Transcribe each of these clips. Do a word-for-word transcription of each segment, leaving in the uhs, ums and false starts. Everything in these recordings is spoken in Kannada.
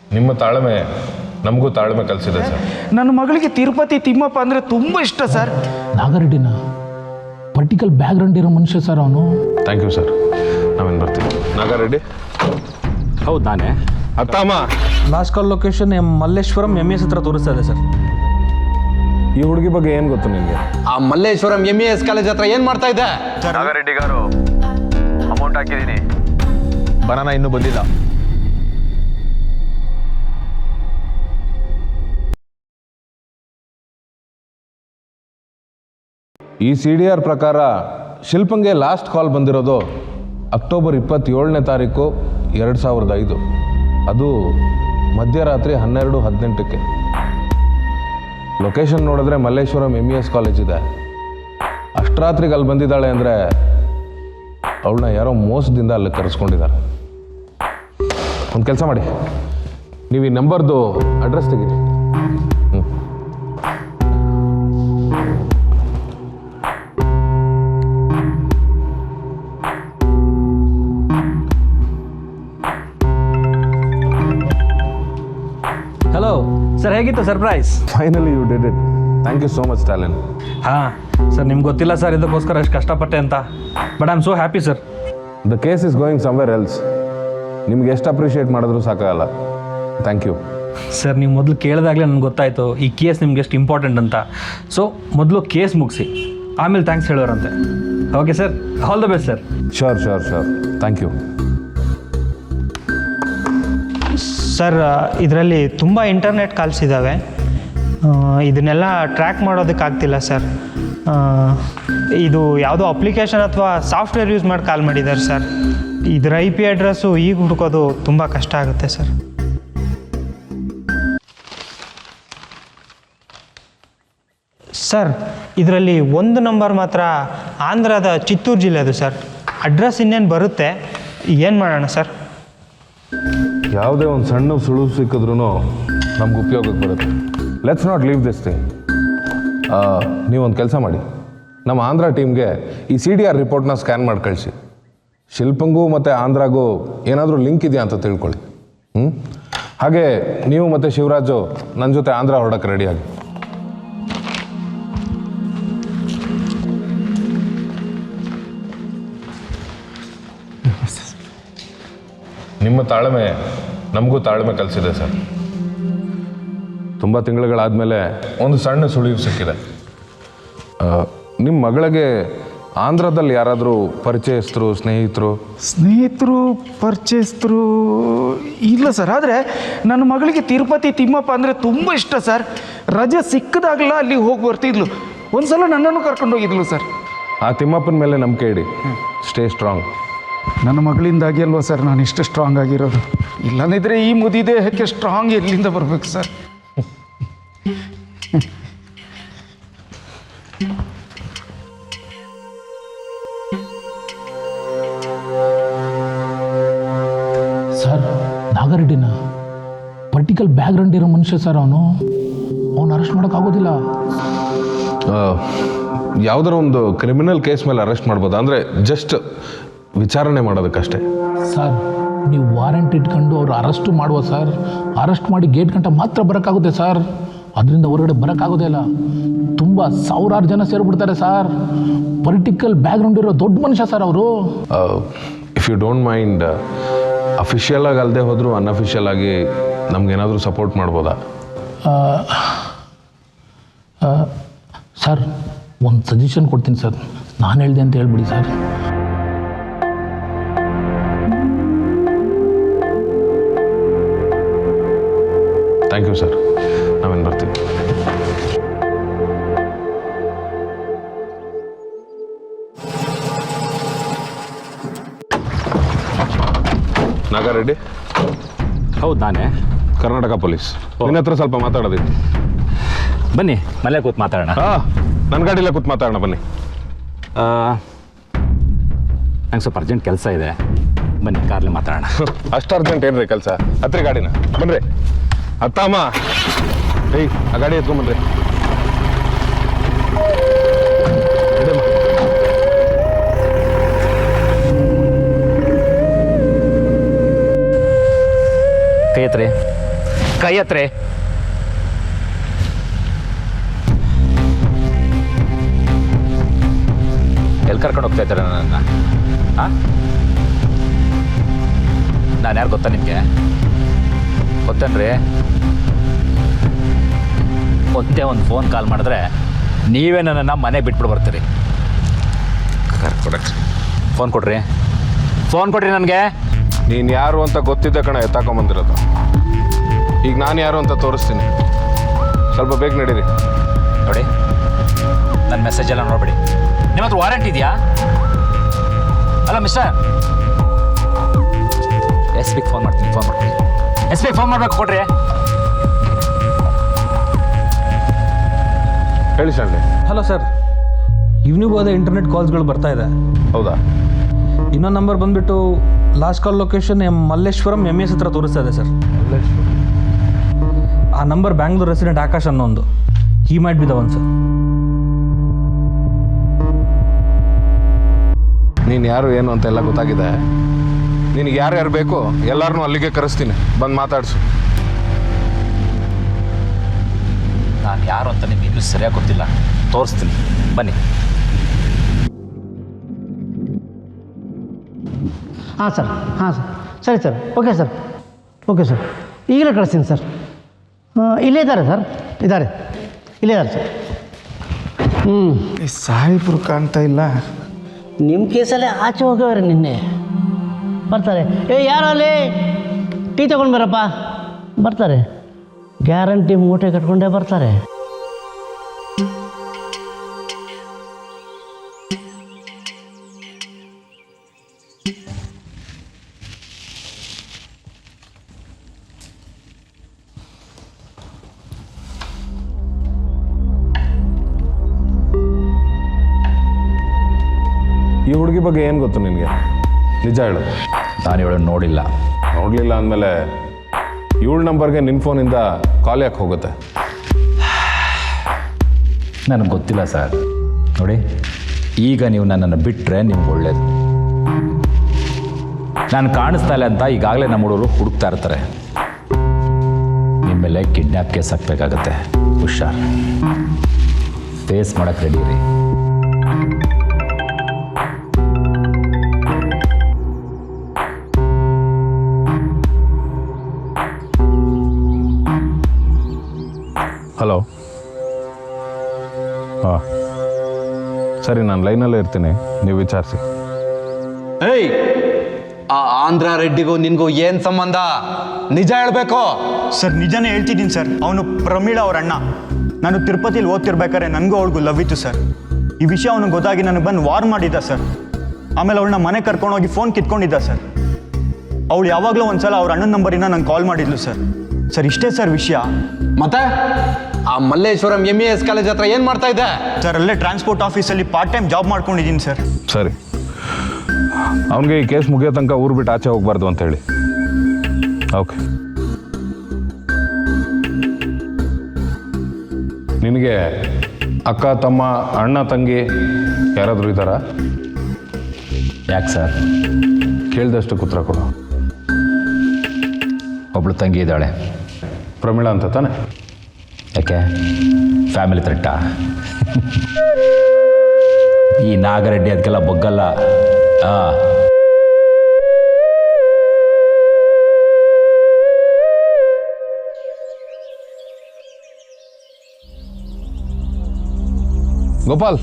ನಿಮ್ಮ ತಾಳ್ಮೆ ನಮಗೂ ತಾಳ್ಮೆ ಕಲಿಸಿದೆ ಸರ್. ನನ್ನ ಮಗಳಿಗೆ ತಿರುಪತಿ ತಿಮ್ಮಪ್ಪ ಅಂದರೆ ತುಂಬ ಇಷ್ಟ ಸರ್. ನಾಗರೆಡ್ಡಿನ ಪರ್ಟಿಕಲ್ ಬ್ಯಾಕ್ಗ್ರೌಂಡ್ ಇರೋ ಮನುಷ್ಯ ಸರ್ ಅವನು. ಥ್ಯಾಂಕ್ ಯು ಸರ್, ನಾವೇನು ಬರ್ತೀವಿ. ನಾಗಾರೆಡ್ಡಿ? ಹೌದು ನಾನೇ. ಅತ್ತಮ್ಮ, last call location M Malleshwaram M S ಹತ್ರ ತೋರಿಸ್ತಾ ಇದೆ ಸರ್. ಈ ಹುಡುಗಿ ಬಗ್ಗೆ ಏನು ಗೊತ್ತು ನಿಮಗೆ? ಆ Malleshwaram M A S college ಹತ್ರ ಏನು ಮಾಡ್ತಾ ಇದ್ದೆ? ನಾಗಾರೆಡ್ಡಿ ಗಾರು ಅಮೌಂಟ್ ಹಾಕಿದ್ದೀನಿ, ಬನಾನ ಇನ್ನೂ ಬಂದಿಲ್ಲ. ಈ ಸಿ ಡಿ ಆರ್ ಪ್ರಕಾರ ಶಿಲ್ಪಂಗೆ ಲಾಸ್ಟ್ ಕಾಲ್ ಬಂದಿರೋದು ಅಕ್ಟೋಬರ್ ಇಪ್ಪತ್ತೇಳನೇ ತಾರೀಕು ಎರಡು ಸಾವಿರದ ಐದು, ಅದು ಮಧ್ಯರಾತ್ರಿ ಹನ್ನೆರಡು ಹದಿನೆಂಟಕ್ಕೆ. ಲೊಕೇಶನ್ ನೋಡಿದ್ರೆ Malleshwaram M E S college ಇದೆ. ಅಷ್ಟರಾತ್ರಿಗೆ ಅಲ್ಲಿ ಬಂದಿದ್ದಾಳೆ ಅಂದರೆ ಅವಳನ್ನ ಯಾರೋ ಮೋಸದಿಂದ ಅಲ್ಲಿ ಕರೆಸ್ಕೊಂಡಿದ್ದಾರೆ. ಒಂದು ಕೆಲಸ ಮಾಡಿ, ನೀವು ಈ ನಂಬರ್ದು ಅಡ್ರೆಸ್ ತೆಗೀರಿ. ಹ್ಞೂ ಹಲೋ ಸರ್, ಹೇಗಿತ್ತು surprise? Finally you did it. Thank you so much talent. ಹಾಂ ಸರ್, ನಿಮ್ಗೆ ಗೊತ್ತಿಲ್ಲ ಸರ್ ಇದಕ್ಕೋಸ್ಕರ ಎಷ್ಟು ಕಷ್ಟಪಟ್ಟೆ ಅಂತ. But I am so happy sir. The case is going somewhere else. ನಿಮ್ಗೆ ಎಷ್ಟು ಅಪ್ರಿಷಿಯೇಟ್ ಮಾಡಿದ್ರು ಸಾಕಾಗಲ್ಲ. Thank you sir. ನೀವು ಮೊದಲು ಕೇಳಿದಾಗಲೇ ನನಗೆ ಗೊತ್ತಾಯಿತು ಈ ಕೇಸ್ ನಿಮ್ಗೆ ಎಷ್ಟು ಇಂಪಾರ್ಟೆಂಟ್ ಅಂತ. ಸೊ ಮೊದಲು ಕೇಸ್ ಮುಗಿಸಿ ಆಮೇಲೆ ಥ್ಯಾಂಕ್ಸ್ ಹೇಳೋರಂತೆ. Okay sir, all the best sir. Sure sure sure thank you. Sir, ಇದರಲ್ಲಿ ತುಂಬ ಇಂಟರ್ನೆಟ್ ಕಾಲ್ಸ್ ಇದ್ದಾವೆ. ಇದನ್ನೆಲ್ಲ ಟ್ರ್ಯಾಕ್ ಮಾಡೋದಕ್ಕಾಗ್ತಿಲ್ಲ ಸರ್. ಇದು ಯಾವುದೋ ಅಪ್ಲಿಕೇಶನ್ ಅಥವಾ ಸಾಫ್ಟ್ವೇರ್ ಯೂಸ್ ಮಾಡಿ ಕಾಲ್ ಮಾಡಿದ್ದಾರೆ ಸರ್. ಇದರ ಐ ಪಿ ಅಡ್ರೆಸ್ಸು ಈಗ ಹುಡುಕೋದು ತುಂಬ ಕಷ್ಟ ಆಗುತ್ತೆ ಸರ್. ಸರ್, ಇದರಲ್ಲಿ ಒಂದು ನಂಬರ್ ಮಾತ್ರ ಆಂಧ್ರದ ಚಿತ್ತೂರು ಜಿಲ್ಲೆದು ಸರ್. ಅಡ್ರೆಸ್ ಇನ್ನೇನು ಬರುತ್ತೆ, ಏನು ಮಾಡೋಣ ಸರ್? ಯಾವುದೇ ಒಂದು ಸಣ್ಣ ಸುಳುವು ಸಿಕ್ಕಿದ್ರೂ ನಮ್ಗೆ ಉಪಯೋಗಕ್ಕೆ ಬರುತ್ತೆ. Let's not leave this thing. ನೀವೊಂದು ಕೆಲಸ ಮಾಡಿ, ನಮ್ಮ ಆಂಧ್ರ ಟೀಮ್ಗೆ ಈ ಸಿ ಡಿ ಆರ್ ರಿಪೋರ್ಟ್ನ ಸ್ಕ್ಯಾನ್ ಮಾಡಿ ಕಳಿಸಿ. ಶಿಲ್ಪಂಗೂ ಮತ್ತು ಆಂಧ್ರಾಗೂ ಏನಾದರೂ ಲಿಂಕ್ ಇದೆಯಾ ಅಂತ ತಿಳ್ಕೊಳ್ಳಿ. ಹ್ಞೂ ಹಾಗೆ ನೀವು ಮತ್ತು ಶಿವರಾಜು ನನ್ನ ಜೊತೆ ಆಂಧ್ರ ಹೊರಡಕ್ಕೆ ರೆಡಿಯಾಗಿ. ನಿಮ್ಮ ತಾಳ್ಮೆ ನಮಗೂ ತಾಳ್ಮೆ ಕಲಿಸಿದೆ ಸರ್. ತುಂಬ ತಿಂಗಳುಗಳಾದಮೇಲೆ ಒಂದು ಸಣ್ಣ ಸುಳಿವು ಸಿಕ್ಕಿದೆ. ನಿಮ್ಮ ಮಗಳಿಗೆ ಆಂಧ್ರದಲ್ಲಿ ಯಾರಾದರೂ ಪರಿಚಯಸ್ಥರು, ಸ್ನೇಹಿತರು? ಸ್ನೇಹಿತರು, ಪರಿಚಯಸ್ಥರು ಇಲ್ಲ ಸರ್. ಆದರೆ ನನ್ನ ಮಗಳಿಗೆ ತಿರುಪತಿ ತಿಮ್ಮಪ್ಪ ಅಂದರೆ ತುಂಬ ಇಷ್ಟ ಸರ್. ರಜೆ ಸಿಕ್ಕದಾಗಲ ಅಲ್ಲಿ ಹೋಗಿ ಬರ್ತಿದ್ಲು. ಒಂದು ಸಲ ನನ್ನನ್ನು ಕರ್ಕೊಂಡೋಗಿದ್ಲು ಸರ್. ಆ ತಿಮ್ಮಪ್ಪನ ಮೇಲೆ ನಂಬಿಕೆ ಇಡಿ. Stay strong. ನನ್ನ ಮಗಳಿಂದಾಗಿ ಅಲ್ವಾ ಸರ್ ನಾನು ಇಷ್ಟು ಸ್ಟ್ರಾಂಗ್ ಆಗಿರೋದು. ಇಲ್ಲಂದಿದ್ರೆ ಈ ಮುದಿದೇಹಕ್ಕೆ ಸ್ಟ್ರಾಂಗ್ ಎಲ್ಲಿಂದ ಬರಬೇಕು ಸರ್? ಸರ್, ನಾಗರೆಡ್ಡಿನ ಪರ್ಟಿಕಲ್ ಬ್ಯಾಕ್ಗ್ರೌಂಡ್ ಇರೋ ಮನುಷ್ಯ ಸರ್ ಅವನು. ಅವನು ಅರೆಸ್ಟ್ ಮಾಡೋಕ್ಕಾಗೋದಿಲ್ಲ. ಯಾವುದಾರ ಒಂದು ಕ್ರಿಮಿನಲ್ ಕೇಸ್ ಮೇಲೆ ಅರೆಸ್ಟ್ ಮಾಡ್ಬೋದು, ಅಂದರೆ ಜಸ್ಟ್ ವಿಚಾರಣೆ ಮಾಡೋದಕ್ಕಷ್ಟೇ. ಸರ್, ನೀವು ವಾರೆಂಟ್ ಇಟ್ಕೊಂಡು ಅವ್ರು ಅರೆಸ್ಟು ಮಾಡುವ ಸರ್. ಅರೆಸ್ಟ್ ಮಾಡಿ ಗೇಟ್ ಗಂಟ ಮಾತ್ರ ಬರೋಕ್ಕಾಗುತ್ತೆ ಸರ್. ಅದರಿಂದ ಹೊರಗಡೆ ಬರೋಕ್ಕಾಗೋದೇ ಇಲ್ಲ. ತುಂಬ ಸಾವಿರಾರು ಜನ ಸೇರಿಬಿಡ್ತಾರೆ ಸರ್. ಪೊಲಿಟಿಕಲ್ ಬ್ಯಾಕ್ಗ್ರೌಂಡ್ ಇರೋ ದೊಡ್ಡ ಮನುಷ್ಯ ಸರ್ ಅವರು. If you don't mind, official ಆಗಿ ಅಲ್ಲದೆ ಹೋದರೂ ಅನ್ಅಫಿಷಿಯಲ್ ಆಗಿ ನಮಗೇನಾದರೂ ಸಪೋರ್ಟ್ ಮಾಡ್ಬೋದಾ? ಸರ್, ಒಂದು ಸಜೆಷನ್ ಕೊಡ್ತೀನಿ ಸರ್. ನಾನು ಹೇಳಿದೆ ಅಂತ ಹೇಳ್ಬಿಡಿ ಸರ್. ಥ್ಯಾಂಕ್ ಯು ಸರ್, ನಾವೇನು ಬರ್ತೀವಿ. ನಾಗಾರೆಡ್ಡಿ? ಹೌದು ನಾನೇ. ಕರ್ನಾಟಕ ಪೊಲೀಸ್. ನಿನ್ನ ಹತ್ರ ಸ್ವಲ್ಪ ಮಾತಾಡೋದಿತ್ತು. ಬನ್ನಿ, ಮನೆ ಕೂತ್ ಮಾತಾಡೋಣ. ಹಾಂ, ನನ್ನ ಗಾಡಿಯಲ್ಲೇ ಕೂತ್ ಮಾತಾಡೋಣ ಬನ್ನಿ. ನಂಗೆ ಸ್ವಲ್ಪ ಅರ್ಜೆಂಟ್ ಕೆಲಸ ಇದೆ, ಬನ್ನಿ ಕಾರ್ಲಿ ಮಾತಾಡೋಣ. ಅಷ್ಟು ಅರ್ಜೆಂಟ್ ಏನ್ರಿ ಕೆಲಸ? ಹತ್ರಿ ಗಾಡಿನ, ಬನ್ನಿರಿ. ಅತ್ತಮ್ಮ, ಏಯ್ ಆ ಗಾಡಿ ಎತ್ಕೊಂಬನ್ರಿ. ಕೈ ಎತ್ರಿ. ಕೈ ಹತ್ರ ಎಲ್ಲಿ ಕರ್ಕೊಂಡು ಹೋಗ್ತಾ ಇದ್ದಾರೆ ನನ್ನ? ಹಾಂ, ನಾನು ಯಾರು ಗೊತ್ತಾ ನಿಮಗೆ? ಗೊತ್ತೇನ್ರಿ? ಒಂದೇ ಒಂದು ಫೋನ್ ಕಾಲ್ ಮಾಡಿದ್ರೆ ನೀವೇ ನನ್ನನ್ನು ಮನೆಗೆ ಬಿಟ್ಬಿಟ್ಟು ಬರ್ತೀರಿ. ಕರ್ಕೊಡಕ್ಕೆ ಫೋನ್ ಕೊಡ್ರಿ, ಫೋನ್ ಕೊಡ್ರಿ ನನಗೆ. ನೀನು ಯಾರು ಅಂತ ಗೊತ್ತಿದ್ದ ಕಣ ಎತ್ತಾಕೊಂಬಂದಿರೋದು. ಈಗ ನಾನು ಯಾರು ಅಂತ ತೋರಿಸ್ತೀನಿ, ಸ್ವಲ್ಪ ಬೇಗ ನಡೀರಿ. ನೋಡಿ, ನನ್ನ ಮೆಸೇಜ್ ಎಲ್ಲ ನೋಡ್ಬಿಡಿ. ನಿಮ್ಮ ಹತ್ರ ವಾರಂಟ್ ಇದೆಯಾ? ಅಲ್ಲ ಮಿಸ್ಟರ್, ಎಸ್ ಬಿಗೆ ಫೋನ್ ಮಾಡ್ತೀನಿ, ಫೋನ್ ಮಾಡ್ತೀನಿ. ಎಸ್ ಬಿಗೆ ಫೋನ್ ಮಾಡ್ಬೇಕು, ಕೊಡ್ರಿ. ಹೇಳಿ ಶಾಲೆ. ಹಲೋ ಸರ್, ಇವ್ನಿಗೂ ಅದೇ ಇಂಟರ್ನೆಟ್ ಕಾಲ್ಸ್ಗಳು ಬರ್ತಾ ಇದೆ. ಹೌದಾ? ಇನ್ನೊಂದು ನಂಬರ್ ಬಂದುಬಿಟ್ಟು last call location M Malleshwaram M S ಹತ್ರ ತೋರಿಸ್ತಾ ಇದೆ ಸರ್. ಆ ನಂಬರ್ ಬ್ಯಾಂಗ್ಳೂರ್ ರೆಸಿಡೆಂಟ್ ಆಕಾಶ್ ಅನ್ನೋ ಒಂದು. He might be the one sir. ನೀನು ಯಾರು ಏನು ಅಂತ ಎಲ್ಲ ಗೊತ್ತಾಗಿದೆ. ನಿನಗೆ ಯಾರ್ಯಾರು ಬೇಕು ಎಲ್ಲರನ್ನೂ ಅಲ್ಲಿಗೆ ಕರೆಸ್ತೀನಿ, ಬಂದು ಮಾತಾಡಿಸು. ನಾನು ಯಾರು ಅಂತ ನಿಮ್ಗೆ ಇನ್ನೂ ಸರಿಯಾಗಿ ಗೊತ್ತಿಲ್ಲ, ತೋರಿಸ್ತೀನಿ, ಬನ್ನಿ. ಹಾಂ ಸರ್, ಹಾಂ ಸರ್, ಸರಿ sir, okay sir, okay sir, ಈಗಲೇ ಕಳಿಸ್ತೀನಿ ಸರ್. ಇಲ್ಲೇ ಇದ್ದಾರೆ ಸರ್, ಇದ್ದಾರೆ, ಇಲ್ಲೇ ಇದ್ದಾರೆ ಸರ್. ಹ್ಞೂ, ಈ ಸಾಹೇಬ್ರು ಕಾಣ್ತಾ ಇಲ್ಲ. ನಿಮ್ಮ ಕೇಸಲ್ಲೇ ಆಚೆ ಹೋಗವ್ರೆ ನಿನ್ನೆ. ಬರ್ತಾರೆ. ಏ ಯಾರು ಅಲ್ಲಿ ಟೀ ತೊಗೊಂಡು ಬರಪ್ಪ. ಬರ್ತಾರೆ, ಗ್ಯಾರಂಟಿ ಮೂಟೆ ಕಟ್ಕೊಂಡೇ ಬರ್ತಾರೆ. ಈ ಹುಡುಗಿ ಬಗ್ಗೆ ಏನು ಗೊತ್ತು ನಿನಗೆ? ನಿಜ ಹೇಳು. ನಾನು ಇವಳು ನೋಡಿಲ್ಲ. ನೋಡಲಿಲ್ಲ ಅಂದಮೇಲೆ ಏಳು ನಂಬರ್ಗೆ ನಿನ್ನ ಫೋನಿಂದ ಕಾಲ್ ಯಾಕೆ ಹೋಗುತ್ತೆ? ನನಗೆ ಗೊತ್ತಿಲ್ಲ ಸರ್. ನೋಡಿ, ಈಗ ನೀವು ನನ್ನನ್ನು ಬಿಟ್ಟರೆ ನಿಮ್ಗೆ ಒಳ್ಳೇದು. ನಾನು ಕಾಣಿಸ್ತಾ ಇಲ್ಲ ಅಂತ ಈಗಾಗಲೇ ನಮ್ಮ ಹುಡುಗರು ಹುಡುಕ್ತಾ ಇರ್ತಾರೆ. ನಿಮ್ಮ ಮೇಲೆ ಕಿಡ್ನ್ಯಾಪ್ ಕೇಸ್ ಹಾಕಬೇಕಾಗತ್ತೆ. ಹುಷಾರ್, ಫೇಸ್ ಮಾಡೋಕ್ಕೆ ರೆಡಿ ರೀ. ಹಲೋ. ಹಾಂ ಸರಿ, ನಾನು ಲೈನಲ್ಲೇ ಇರ್ತೀನಿ, ನೀವು ವಿಚಾರಿಸಿ. ಏಯ್, ಆ ಆಂಧ್ರ ರೆಡ್ಡಿಗೂ ನಿನ್ಗೂ ಏನ್ ಸಂಬಂಧ? ನಿಜ ಹೇಳ್ಬೇಕು. ಸರ್ ನಿಜನೇ ಹೇಳ್ತಿದ್ದೀನಿ ಸರ್. ಅವನು ಪ್ರಮೀಳಾ ಅವ್ರ ಅಣ್ಣ. ನಾನು ತಿರುಪತಿಲಿ ಓದ್ತಿರ್ಬೇಕಾದ್ರೆ ನನಗೂ ಅವಳಿಗೂ ಲವ್ ಇತ್ತು ಸರ್. ಈ ವಿಷಯ ಅವನಿಗೆ ಗೊತ್ತಾಗಿ ನನಗೆ ಬಂದು ವಾರ್ ಮಾಡಿದ್ದ ಸರ್. ಆಮೇಲೆ ಅವಳನ್ನ ಮನೆ ಕರ್ಕೊಂಡೋಗಿ ಫೋನ್ ಕಿತ್ಕೊಂಡಿದ್ದ ಸರ್. ಅವಳು ಯಾವಾಗಲೂ ಒಂದ್ಸಲ ಅವ್ರ ಅಣ್ಣನ ನಂಬರಿಂದ ನಂಗೆ ಕಾಲ್ ಮಾಡಿದ್ಲು ಸರ್. ಸರ್ ಇಷ್ಟೇ ಸರ್ ವಿಷಯ. ಮತ್ತೆ ಆ Malleshwaram M A S college ಹತ್ರ ಏನ್ ಮಾಡ್ತಾ ಇದ್ದೆ? ಸರ್ ಅಲ್ಲೇ ಟ್ರಾನ್ಸ್ಪೋರ್ಟ್ ಆಫೀಸಲ್ಲಿ ಪಾರ್ಟ್ ಟೈಮ್ ಜಾಬ್ ಮಾಡ್ಕೊಂಡಿದ್ದೀನಿ ಸರ್. ಸರಿ, ಅವನಿಗೆ ಈ ಕೇಸ್ ಮುಗಿಯೋ ತನಕ ಊರು ಬಿಟ್ಟು ಆಚೆ ಹೋಗ್ಬಾರ್ದು ಅಂತ ಹೇಳಿ. ಓಕೆ. ನಿನಗೆ ಅಕ್ಕ, ತಮ್ಮ, ಅಣ್ಣ, ತಂಗಿ ಯಾರಾದರೂ ಇದ್ದಾರಾ? ಯಾಕೆ ಸರ್? ಕೇಳಿದಷ್ಟು ಉತ್ತರ ಕೊಡು. ಒಬ್ಳು ತಂಗಿ ಇದ್ದಾಳೆ, ಪ್ರಮೀಳಾ ಅಂತ ತಾನೆ? ಯಾಕೆ, ಫ್ಯಾಮಿಲಿ ಥ್ರೆಟ್ಟಾ? ಈ ನಾಗರೆಡ್ಡಿ ಅದಕ್ಕೆಲ್ಲ ಬೊಗ್ಗಲ್ಲ. ಹಾಂ, ಗೋಪಾಲ್.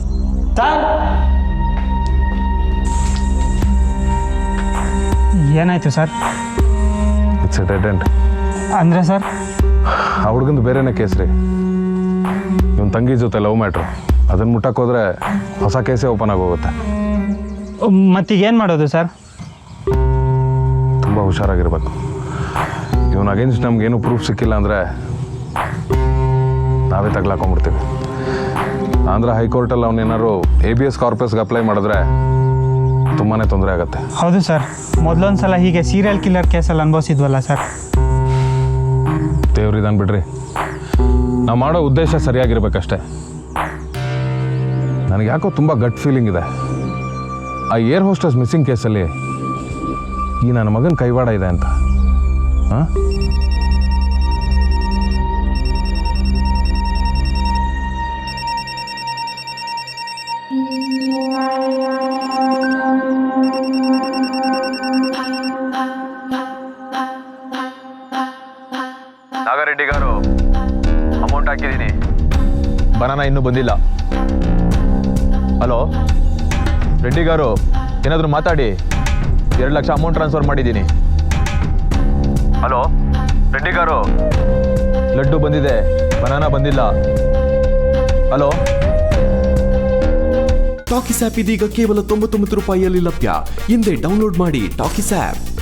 ಏನಾಯಿತು sir? It's a dead end. ಅಂದರೆ ಸರ್? ಆ ಹುಡುಗಂದು ಬೇರೆನೇ ಕೇಸ್ ರೀ. ಇವನ್ ತಂಗಿ ಜೊತೆ ಲವ್ ಮ್ಯಾಟ್ರು. ಅದನ್ನು ಮುಟ್ಟಕ್ಕೆ ಹೋದ್ರೆ ಹೊಸ ಕೇಸೇ ಓಪನ್ ಆಗೋಗುತ್ತೆ. ಮತ್ತೀಗ ಏನು ಮಾಡೋದು ಸರ್? ತುಂಬ ಹುಷಾರಾಗಿರ್ಬೇಕು. ಇವನ್ ಅಗೇನ್ಸ್ಟ್ ನಮ್ಗೇನು ಪ್ರೂಫ್ ಸಿಕ್ಕಿಲ್ಲ ಅಂದರೆ ನಾವೇ ತಗ್ಲಾಕೊಂಡ್ಬಿಡ್ತೀವಿ. ಆಂಧ್ರ ಹೈಕೋರ್ಟಲ್ಲಿ ಅವನೇನಾದ್ರು ಎ ಬಿ ಎಸ್ ಕಾರ್ಪಸ್ಗೆ ಅಪ್ಲೈ ಮಾಡಿದ್ರೆ ತುಂಬಾ ತೊಂದರೆ ಆಗುತ್ತೆ. ಹೌದು ಸರ್, ಮೊದಲೊಂದು ಸಲ ಹೀಗೆ ಸೀರಿಯಲ್ ಕಿಲ್ಲರ್ ಕೇಸಲ್ಲಿ ಅನುಭವಿಸಿದ್ವಲ್ಲ ಸರ್. ದೇವ್ರಿದಾನ್ ಬಿಡ್ರಿ, ನಾವು ಮಾಡೋ ಉದ್ದೇಶ ಸರಿಯಾಗಿರ್ಬೇಕಷ್ಟೆ. ನನಗೆ ಯಾಕೋ ತುಂಬ ಗಟ್ ಫೀಲಿಂಗ್ ಇದೆ. ಆ ಏರ್ ಹೋಸ್ಟಸ್ ಮಿಸ್ಸಿಂಗ್ ಕೇಸಲ್ಲಿ ಈ ನನ್ನ ಮಗನ ಕೈವಾಡ ಇದೆ ಅಂತ. ಹಾಂ, ರೆಡ್ಡಿ ಗಾರು ಅಮೌಂಟ್ ಹಾಕಿದ್ದೀನಿ ಬನಾನ ಇನ್ನೂ ಬಂದಿಲ್ಲ. ಹಲೋ ರೆಡ್ಡಿ ಗಾರು, ಏನಾದರೂ ಮಾತಾಡಿ. ಎರಡು ಲಕ್ಷ ಅಮೌಂಟ್ ಟ್ರಾನ್ಸ್ಫರ್ ಮಾಡಿದ್ದೀನಿ. ಹಲೋ ರೆಡ್ಡಿ ಗಾರು, ಲಡ್ಡು ಬಂದಿದೆ, ಬನಾನ ಬಂದಿಲ್ಲ. ಹಲೋ. ಟಾಕಿಸ್ ಆ್ಯಪ್ ಇದೀಗ ಕೇವಲ ತೊಂಬತ್ತೊಂಬತ್ತು ರೂಪಾಯಿಯಲ್ಲಿ ಲಭ್ಯ. ಹಿಂದೆ ಡೌನ್ಲೋಡ್ ಮಾಡಿ ಟಾಕಿಸ್ ಆ್ಯಪ್.